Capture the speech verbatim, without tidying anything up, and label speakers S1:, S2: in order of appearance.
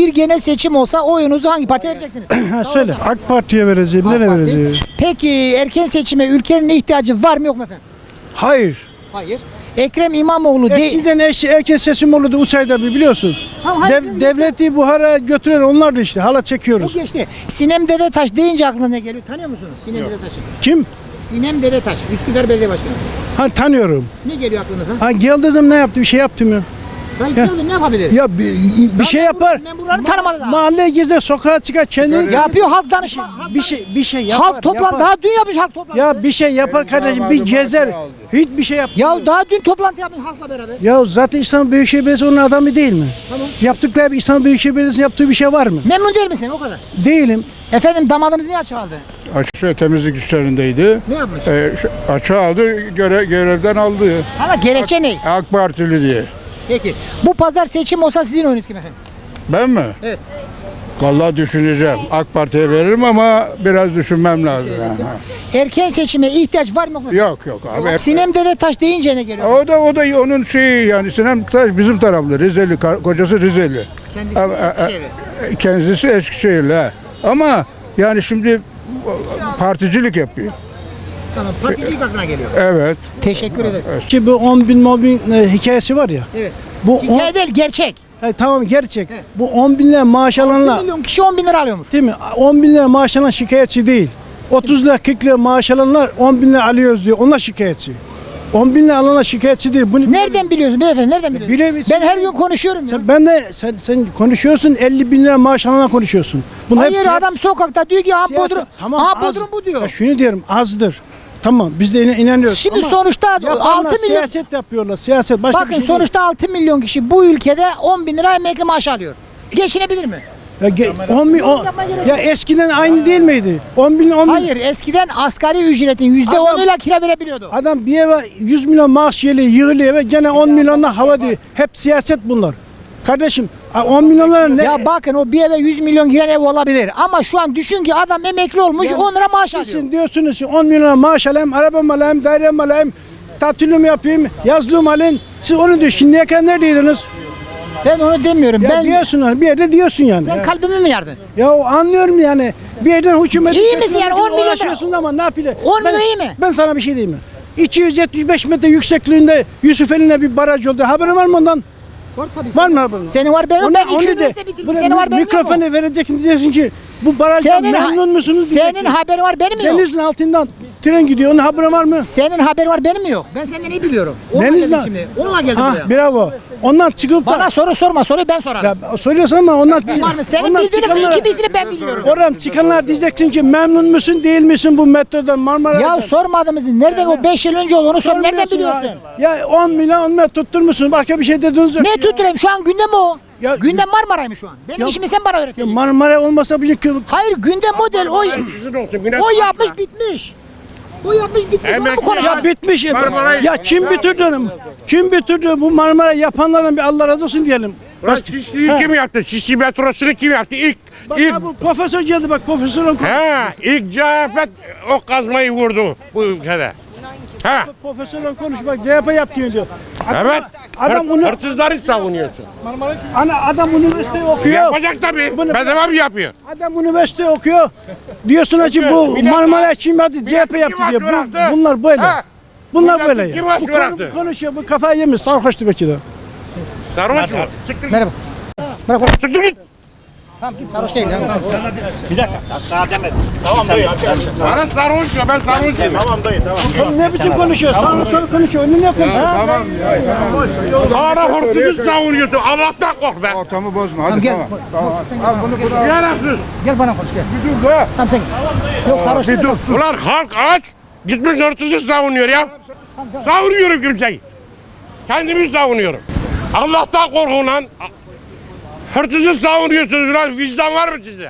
S1: Bir genel seçim olsa oyunuzu hangi partiye vereceksiniz?
S2: Ha, söyle. AK Parti'ye vereceğim.
S1: AK
S2: Nereye
S1: Parti.
S2: vereceğim?
S1: Peki erken seçime ülkenin ihtiyacı var mı yok mu efendim?
S2: Hayır.
S1: Hayır. Ekrem İmamoğlu değil.
S2: Eskiden eş, erken seçim olurdu Uçay'da bir biliyorsun.
S1: Tamam, hayır,
S2: Dev,
S1: hayır,
S2: devleti Buhar'a götüren onlar da işte. Hala
S1: Bu
S2: çekiyoruz.
S1: geçti. Sinem Dedetaş deyince aklına ne geliyor? Tanıyor musunuz Sinem Dedetaş'ı?
S2: Kim?
S1: Sinem Dedetaş, Üsküdar Belediye Başkanı.
S2: Ha tanıyorum.
S1: Ne geliyor aklınıza?
S2: Ha geldiğim zaman ne yaptı? Bir şey yaptım ya.
S1: Dayı ne yapabilir?
S2: Ya bir, bir şey yapar.
S1: Memurları tanımadı daha.
S2: Mahalleye gezer, sokağa çıkar, kendini
S1: Yapıyor halk danışma.
S2: bir şey bir şey yapar.
S1: Halk toplan
S2: yapar.
S1: daha dün yapmış halk toplantı.
S2: Ya bir şey yapar kardeşim. Bir gezer. Hiçbir şey yap.
S1: Ya daha dün toplantı yapmış halkla beraber.
S2: Ya zaten İstanbul Büyükşehir Belediyesi onun adamı değil mi?
S1: Tamam.
S2: Yaptıkları bir İstanbul Büyükşehir Belediyesi'nin yaptığı bir şey var mı?
S1: Memnun değil misin o kadar?
S2: Değilim.
S1: Efendim damadınız niye açığa aldı?
S3: Açıkça temizlik işlerindeydi.
S1: Ne yapmış?
S3: Ee, şu- açığa aldı, göre, görevden aldı.
S1: Hala gerekçe ne?
S3: AK Partili diye.
S1: Peki. Bu pazar seçim olsa sizin oyunuz kim efendim?
S3: Ben mi?
S1: Evet.
S3: Vallahi düşüneceğim. AK Parti'ye veririm ama biraz düşünmem lazım. Ha.
S1: Erken seçime ihtiyaç var mı yok mu?
S3: Yok yok abi.
S1: Sinem Dedetaş deyince ne geliyor?
S3: O da o da onun şeyi yani Sinem Taş bizim taraflı Rizeli, kar- kocası Rizeli.
S1: Kendisi
S3: Ama- a- a-
S1: Eskişehir'i.
S3: Kendisi Eskişehirli. ha. Ama yani şimdi particilik yapıyor.
S1: Tamam. Particilik aklına geliyor.
S3: Evet.
S1: Teşekkür ederim.
S2: Ki bu on bin mobbing e, hikayesi var ya.
S1: Evet.
S2: Bu on,
S1: Hikaye değil gerçek.
S2: Hayır, tamam gerçek.
S1: Evet.
S2: Bu on bin lira maaş
S1: bir
S2: alanlar
S1: milyon kişi on bin lira alıyormuş.
S2: değil mi? on bin lira maaş alan şikayetçi değil. otuz lira kırk lira maaş alanlar on bin lira alıyoruz diyor. Onlar şikayetçi. on bin lira alanlar şikayetçi değil. Bunu
S1: Nereden biliyorsun beyefendi? Nereden biliyorsun?
S2: Bilemezsin.
S1: Ben her gün konuşuyorum ya.
S2: Sen, ben de sen, sen konuşuyorsun elli bin lira maaş alanlar konuşuyorsun. Bunlar
S1: Hayır
S2: hep siya-
S1: adam sokakta diyor ki ha
S2: siyaset-
S1: Bodrum,
S2: Tamam,
S1: ha
S2: az.
S1: Bodrum bu diyor.
S2: Ya şunu diyorum azdır. Tamam biz de ina- inanıyoruz.
S1: Şimdi
S2: Ama
S1: sonuçta
S2: yapanlar
S1: altı milyon.
S2: siyaset yapıyorlar. Siyaset başka
S1: Bakın
S2: bir şey
S1: sonuçta altı milyon kişi bu ülkede on bin lira emekli maaşı alıyor. Geçinebilir mi?
S2: değil. Ya, ge- on bin, on-
S1: Yapmaya gerek
S2: ya
S1: yok.
S2: eskiden aynı değil miydi? on bin on bin.
S1: Hayır eskiden asgari ücretin yüzde
S2: Adam-
S1: onuyla kira verebiliyordu.
S2: Adam bir eve yüz milyon maaş geliyor, yığılıyor eve gene on milyonla hava diyor. Hep siyaset bunlar. Kardeşim on milyonlara ne?
S1: Ya bakın o bir eve yüz milyon giren ev olabilir. Ama şu an düşün ki adam emekli olmuş
S2: Ya
S1: on lira maaş alıyor.
S2: Sizin diyorsunuz ki on milyona maaş alayım, arabamı alayım, dairemi alayım, tatilimi yapayım, yazlığımı alayım. Siz onu diyor. Şimdiye kadar neredeydiniz?
S1: Ben onu demiyorum.
S2: Ya
S1: ben
S2: diyorsun hani bir yerde diyorsun yani.
S1: sen
S2: ya.
S1: kalbimi mi yardın?
S2: Ya anlıyorum yani. Bir yerden hükümeti...
S1: İyi misin yani? on milyon lira-
S2: uğraşıyorsun ama nafile.
S1: on
S2: Ben-
S1: lira iyi mi?
S2: Ben sana bir şey diyeyim mi? iki yüz yetmiş beş metre yüksekliğinde Yusufeli'ne bir baraj oldu. Haberin var mı ondan?
S1: Var tabii.
S2: Var mı haberin?
S1: Senin var benim.
S2: Onu-
S1: Ben
S2: onu
S1: iki
S2: de-
S1: üniversite bitirdim.
S2: buna
S1: Senin var benim yok mu?
S2: Mikrofonu vereceksin diyeceksin ki bu barajdan
S1: Senin, ha-
S2: memnun musunuz?
S1: senin
S2: diyeceksin.
S1: haberi var benim mi yok?
S2: Denizin altından tren gidiyor. Onun haberin var mı?
S1: Senin haberi var benim mi yok? Ben senden iyi biliyorum. Onunla
S2: Denizden-
S1: geldim şimdi. Onunla geldim
S2: Ah
S1: buraya.
S2: bravo. Ondan çıkıp da...
S1: Bana soru sorma. Soruyu ben sorarım.
S2: Ya, soruyorsun ama ondan...
S1: Var mı? Senin
S2: ondan
S1: bildiğini
S2: çıkanlara-
S1: ikimizini ben biliyorum.
S2: Oradan çıkanlar diyeceksin ki memnun musun değil misin bu metrodan Marmara'dan?
S1: Ya sormadığımızı nereden o beş yıl önce oldu onu sor. Nereden
S2: Sormuyorsun
S1: biliyorsun?
S2: Ya, ya on milyon on milyon tutturmuşsun. Başka bir şey dediniz yok.
S1: Ne
S2: ya.
S1: tutturayım? Şu an gündem o.
S2: Ya-
S1: gündem Marmara'yı mı şu an? Benim
S2: Ya-
S1: işimi sen bana
S2: Ya
S1: öğreteceksin.
S2: Marmara olmasa bir kıl...
S1: Hayır gündem model o. O yapmış bitmiş. O yapmış bitmiş. Onu mu
S3: Emekli-
S1: konuşalım?
S2: Ya bitmiş. Ya,
S3: Marmara'yı-
S2: ya kim bitirdi onu? Kim bitirdi bu Marmara yapanlardan bir Allah razı olsun diyelim.
S4: Lan
S2: Başka-
S4: Şişli'yi
S2: Ha.
S4: kim yaptı? Şişli metrosunu kim yaptı? İlk,
S2: Bak
S4: ilk,
S2: ha, bu profesör geldi bak profesör oku.
S4: ha, ilk C H P o kazmayı vurdu bu ülkede. Ha,
S2: Profesörle konuş bak C H P yapıyor diyor. Adam,
S4: evet.
S2: Adam
S4: Hır-
S2: bunu
S4: Hırsızları savunuyorsun.
S2: ana adam üniversite okuyor.
S4: Yapacak tabii.
S2: Bunu-
S4: Bedava mı yapıyor?
S2: Adam üniversite okuyor. Diyorsun ki bu
S4: Bir dakika.
S2: Marmara kim yaptı C H P
S4: Kim
S2: yaptı diyor. Bu,
S4: bıraktı?
S2: bunlar böyle.
S4: Ha.
S2: Bunlar
S4: Milletin
S2: böyle.
S4: kim
S2: ya.
S4: aç
S2: Bu konu-
S4: bıraktı?
S2: konuşuyor bu kafayı yemiş sarhoştu belki de.
S4: Sarhoş mu? Çıktı.
S1: Merhaba. Bırak bırak.
S4: Çıktı git.
S1: Tamam git sarhoş değil. Ya. Tamam.
S4: Bana sarhoş ya ben sarhoş değilim.
S2: Oğlum ne biçim konuşuyor? Sağını soru konuşuyor. Önüne ne konuşuyor?
S3: Tamam.
S4: Bana hırsızı savunuyorsun. Allah'tan kork be.
S3: Ortamı bozma.
S1: Tamam
S3: Hadi
S1: gel.
S3: tamam.
S1: Tamam. Sen gel. Bana, gel.
S4: Yararsız.
S1: Gel bana konuş gel.
S3: Dur be.
S1: Tamam sen gel. Yok sarhoş değil. Tamam.
S4: Ulan halk aç. Gitmiş hırsızı savunuyor ya. Savunuyorum kimseyi. Kendimi savunuyorum. Allah'tan korkun lan. Hırsızı savunuyorsunuz lan. Vicdan var mı sizde?